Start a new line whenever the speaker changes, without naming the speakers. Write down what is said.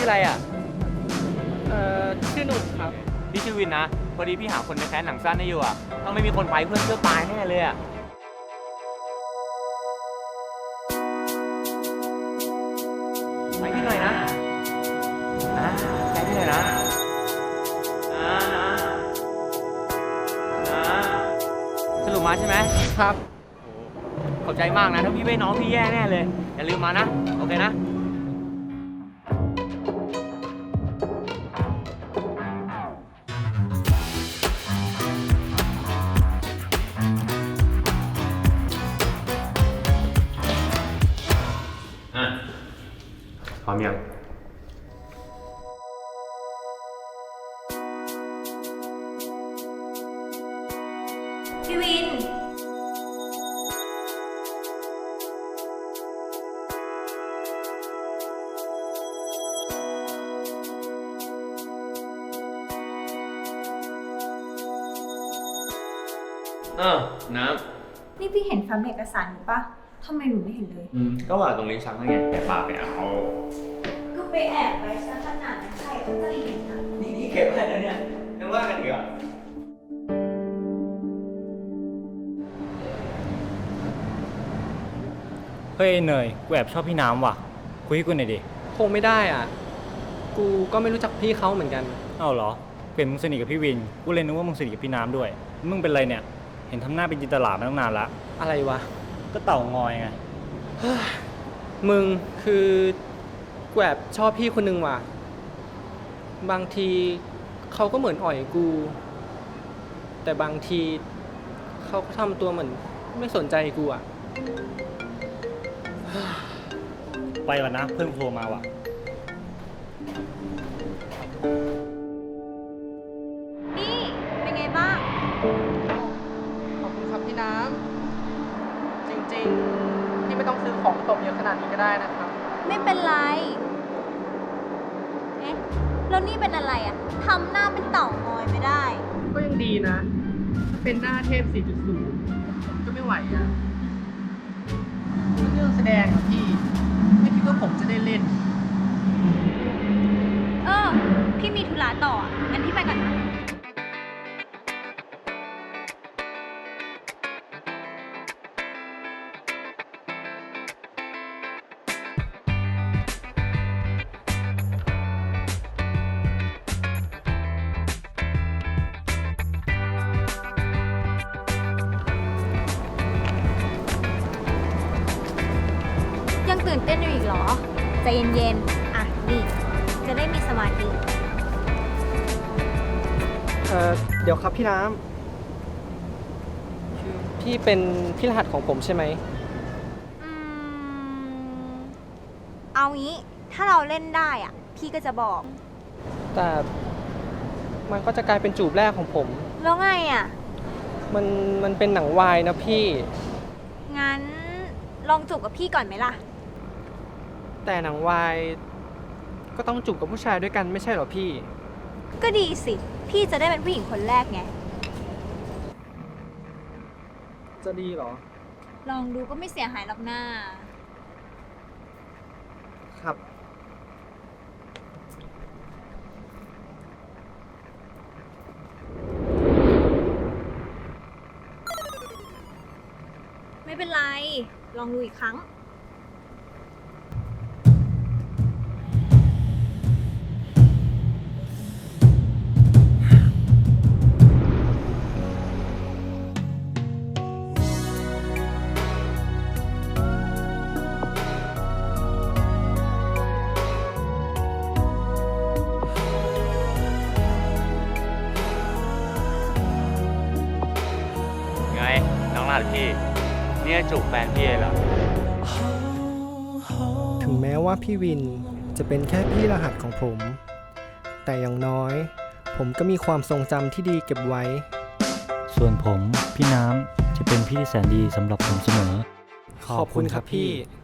ออะไรอ่ะ
ชื่อหนุ่มครับ
พี่ชื่อวินนะพอดีพี่หาคนไปแคสหนังสั้นให้อยู่อ่ะต้องไม่มีคนไปเพื่อนเชื่อตายแน่เลยอ่ะไปพี่หน่อยนะไปพี่หน่อยนะสรุปมาใช่ไหม
ครับ
ขอบใจมากนะถ้าพี่ไม่น้องพี่แย่แน่เลยอย่าลืมมานะโอเคนะพร้อมยัง
พี่วิน
น้
ำนี่พี่เห็นแฟ้มเอกสารหนูปะทำไมหนูไม่เห็นเลย
ก็ว่าตรงนี้ชักไงแต่ปากไปเอา
ก็ไปแอบไว้ซะขนาดนั้นใครก็จะเห็นนะ
นี่เก็บไว้แล้วเนี่ยยังว่ากันอีกอ่ะ
เฮ้ยเนยกูแอบชอบพี่น้ำว่ะคุยให้กูหน่อยดิ
คงไม่ได้อ่ะกูก็ไม่รู้จักพี่เขาเหมือนกัน
เอ้าเหรอเปลี่ยนมึงสนิทกับพี่วินกูเลยนึกว่ามึงสนิทกับพี่น้ำด้วยมึงเป็นไรเนี่ยเห็นทำหน้าเป็นจินตลาดมาตั้งนานละ
อะไรวะ
ก็เต่างอยไง
มึงคือกูแอบชอบพี่คนนึงว่ะบางทีเขาก็เหมือนอ่อยกูแต่บางทีเขาก็ทำตัวเหมือนไม่สนใจกูอ่ะ
ไปก่อนนะเพื่อนโทรมาว่ะ
นี่เป็นไงบ้าง
ขอบคุณครับพี่น้ำจริงๆพี่ไม่ต้องซื้อของตบเยอะขนาดนี้ก็ได้นะครับ
ไม่เป็นไรเอ๊ะแล้วนี่เป็นอะไรอ่ะทำหน้าเป็นเต่างอยไม่ได้
ก็ยังดีนะถ้าเป็นหน้าเทพ 4.0 ก็ไม่ไหวอ่ะเรื่องแสดงอ่ะพี่ไม่คิดว่าผมจะได้เล่น
พี่มีธุระต่องั้นพี่ไปก่อนนะยังตื่นเต้นอยู่อีกเหรอใจเย็นๆอ่ะนี่จะได้มีสมาธิ
เดี๋ยวครับพี่น้ำคือพี่เป็นพี่รหัสของผมใช่ไหม
เอางี้ถ้าเราเล่นได้อ่ะพี่ก็จะบอก
แต่มันก็จะกลายเป็นจูบแรกของผม
แล้วไงอ่ะ
มันเป็นหนังวายนะพี่
งั้นลองจูบกับพี่ก่อนไหมล่ะ
แต่หนังวายก็ต้องจูบกับผู้ชายด้วยกันไม่ใช่เหรอพี่
ก็ดีสิพี่จะได้เป็นผู้หญิงคนแรกไง
จะดีเหรอ
ลองดูก็ไม่เสียหายหรอกหน้า
ครับ
ไม่เป็นไรลองดูอีกครั้ง
น้องรหัสพี่เนี่ยจูบแฟนพี่เหรอ
ถึงแม้ว่าพี่วินจะเป็นแค่พี่รหัสของผมแต่อย่างน้อยผมก็มีความทรงจำที่ดีเก็บไว้
ส่วนผมพี่น้ำจะเป็นพี่ที่แสนดีสำหรับผมเสมอ
ขอบคุณครับพี่